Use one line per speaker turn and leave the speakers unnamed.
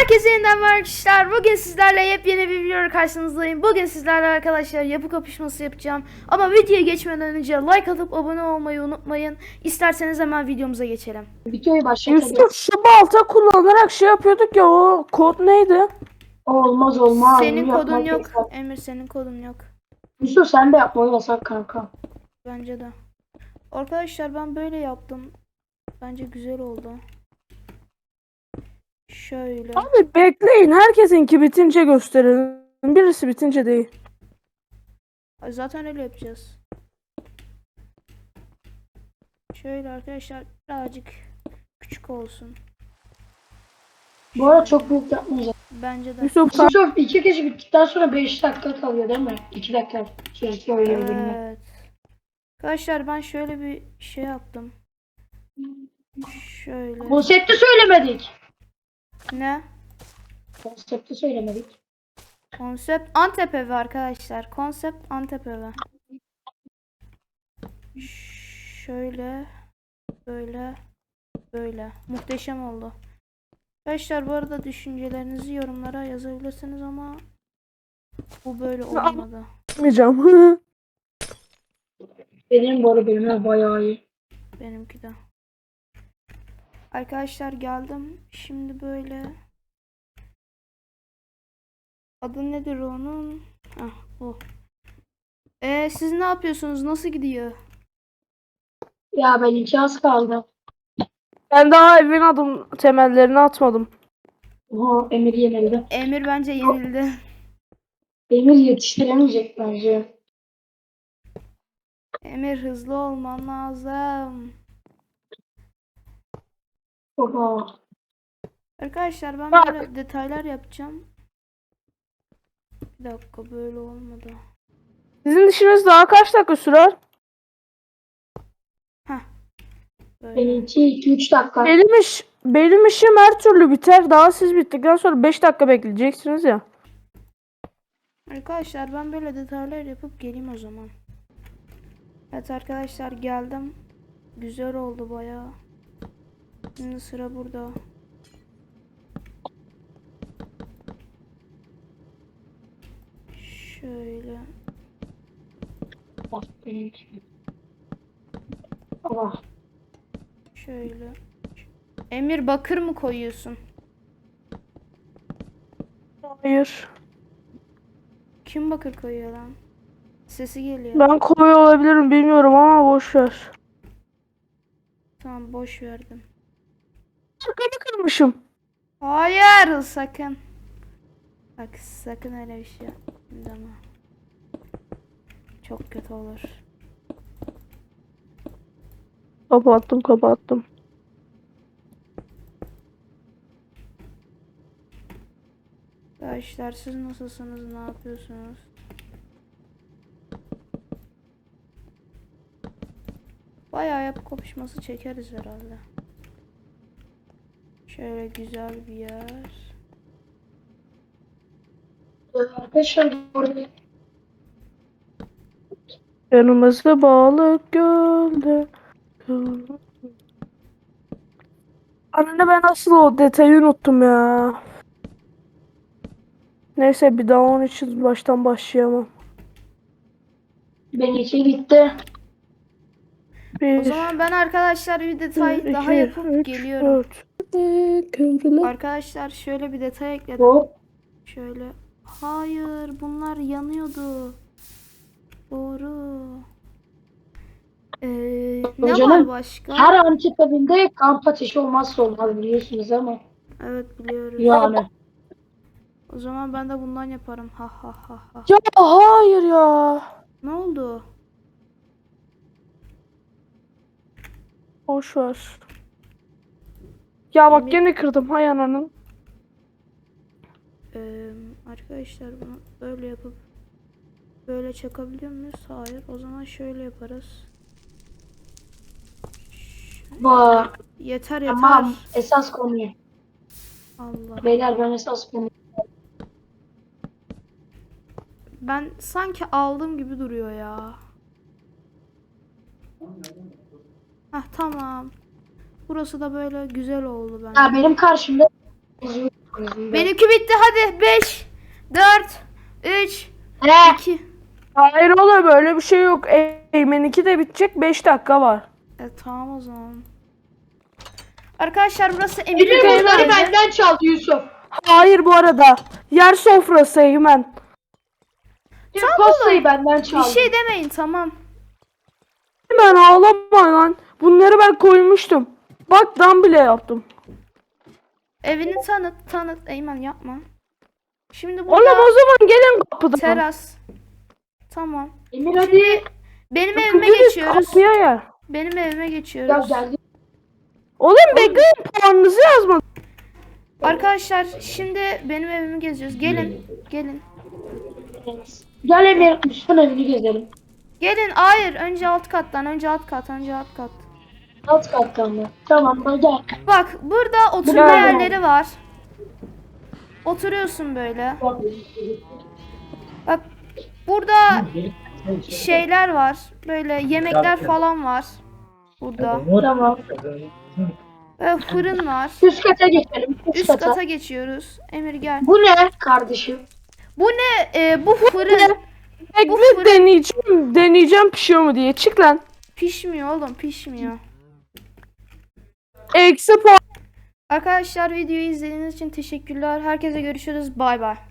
Herkese yeniden merhaba arkadaşlar. Bugün sizlerle yepyeni bir video karşınızdayım. Bugün sizlerle arkadaşlar yapı kapışması yapacağım. Ama videoya geçmeden önce like atıp abone olmayı unutmayın. İsterseniz hemen videomuza geçelim.
Videoyu başlatabiliriz.
Yusuf şu balta kullanarak şey yapıyorduk ya, o kod neydi?
Olmaz.
Senin
Bunu
kodun
yapmak
yok.
yasak.
Emir senin kodun yok.
Yusuf sen de yapma, o yasak kanka.
Bence de. Arkadaşlar ben böyle yaptım. Bence güzel oldu. Şöyle.
Abi bekleyin, herkesinki bitince gösterelim. Birisi bitince değil.
Zaten öyle yapacağız. Şöyle arkadaşlar birazcık küçük olsun.
Bu arada çok büyük yapmayacağız.
Bence de.
Yusuf sen
Yusuf 2 kişi bittikten sonra 5 dakika kalıyor değil mi? 2 dakika süresi öyle bir bölümde.
Evet. Arkadaşlar ben şöyle bir şey yaptım. Şöyle.
Konsepti söylemedik.
Ne?
Konsepti söylemedik.
Konsept Antep evi arkadaşlar. Konsept Antep evi. Şöyle. Böyle. Böyle. Muhteşem oldu. Arkadaşlar bu arada düşüncelerinizi yorumlara yazabilirsiniz ama bu böyle olmadı.
yapmayacağım.
Benim bu arada bölümler bayağı iyi.
Benimki de. Arkadaşlar geldim. Şimdi böyle. Adı nedir onun? Ah bu. Siz ne yapıyorsunuz? Nasıl gidiyor?
Ya ben 2 az kaldı.
Ben daha evin adım temellerini atmadım.
Oha, Emir yenildi.
Emir bence yenildi.
Emir yetiştiremeyecek bence.
Emir hızlı olman lazım.
Oha.
Arkadaşlar ben
Bak.
böyle detaylar yapacağım. Bir dakika böyle olmadı.
Sizin işiniz daha kaç dakika sürer?
Böyle.
Benimki 2-3 dakika.
Benim işim her türlü biter. Daha siz bittikten sonra 5 dakika bekleyeceksiniz ya.
Arkadaşlar ben böyle detaylar yapıp geleyim o zaman. Evet arkadaşlar geldim. Güzel oldu bayağı. Şimdi sıra burada. Şöyle.
Bak benimki. Allah.
Şöyle. Emir bakır mı koyuyorsun?
Hayır.
Kim bakır koyuyor lan? Sesi geliyor.
Ben koyu olabilirim bilmiyorum ama boş ver.
Tamam boş verdim.
Arkamı kırmışım.
Hayır sakın. Bak sakın öyle bir şey yapma. Çok kötü olur.
Kapattım.
Arkadaşlar siz nasılsınız? Ne yapıyorsunuz? Bayağı yapı kapışması çekeriz herhalde. Şöyle güzel bir yer.
Arkadaşlar burada
Yanımızda balık gölde. Anne ben asıl o detayı unuttum ya. Neyse bir daha onun için baştan başlayamam.
benimki bitti.
O
Bir,
zaman ben arkadaşlar bir detay daha
iki,
yapıp
üç,
geliyorum.
4.
Arkadaşlar şöyle bir detay ekledim.
Hop.
Şöyle. Hayır bunlar yanıyordu. Doğru. Ne var
Canım,
başka?
her antik evinde kamp ateşi olmazsa olmaz biliyorsunuz ama.
Evet biliyoruz.
Yani.
O zaman ben de bundan yaparım. Ha ha ha ha.
Ya hayır ya.
Ne oldu?
Boş ver. Ya bak
Emir-
gene kırdım hay ananın.
Arkadaşlar bunu böyle yapıp böyle çakabiliyor muyuz? Hayır. O zaman şöyle yaparız.
Bak.
Yeter
Tamam. Esas konuyu.
Allah.
Beyler ben esas konuyu.
Ben sanki aldığım gibi duruyor ya. Heh tamam. Burası da böyle güzel oldu bence.
Ya benim karşımda
Benimki bitti hadi. 5, 4, 3,
He.
2.
Hayır oğlum böyle bir şey yok. Eymen'inki de bitecek 5 dakika var.
Tamam o zaman. Arkadaşlar burası Emir'in
Emir bunları
evi.
benden çaldı Yusuf.
Hayır bu arada. Yer sofrası Eymen.
Pastayı benden
Bir
çaldı.
şey demeyin tamam.
Eymen ağlama lan. Bunları ben koymuştum. Bak dan bile yaptım.
Evini tanıt. Eymen yapma. Şimdi
Oğlum
burada
o zaman gelin kapıdan.
teras. Tamam.
Emir hadi.
Benim evime
Gelin
geçiyoruz.
kapıya gel.
Benim evime
Ya
geçiyoruz.
geldi.
Oğlum bekleyin puanınızı yazmadım.
Arkadaşlar şimdi benim evimi geziyoruz. Gelin.
Gel Emir Yusuf'un evini gezelim.
Gelin. Hayır. Önce alt kat.
Alt kattan mı? Tamam hadi gel.
Bak burada oturma
Gel.
yerleri var. Oturuyorsun böyle. Bak burada şeyler var. Böyle yemekler falan var. Burada.
Tamam.
Fırın var.
Üst kata geçelim.
Üst kata geçiyoruz. Emir gel.
Bu ne kardeşim?
Bu ne? Bu fırın. Bu
Bekle
fırın-
deneyeceğim pişiyor mu diye. Çık lan.
Pişmiyor oğlum pişmiyor.
Eksi puan.
Arkadaşlar videoyu izlediğiniz için teşekkürler. Herkese görüşürüz. Bay bay.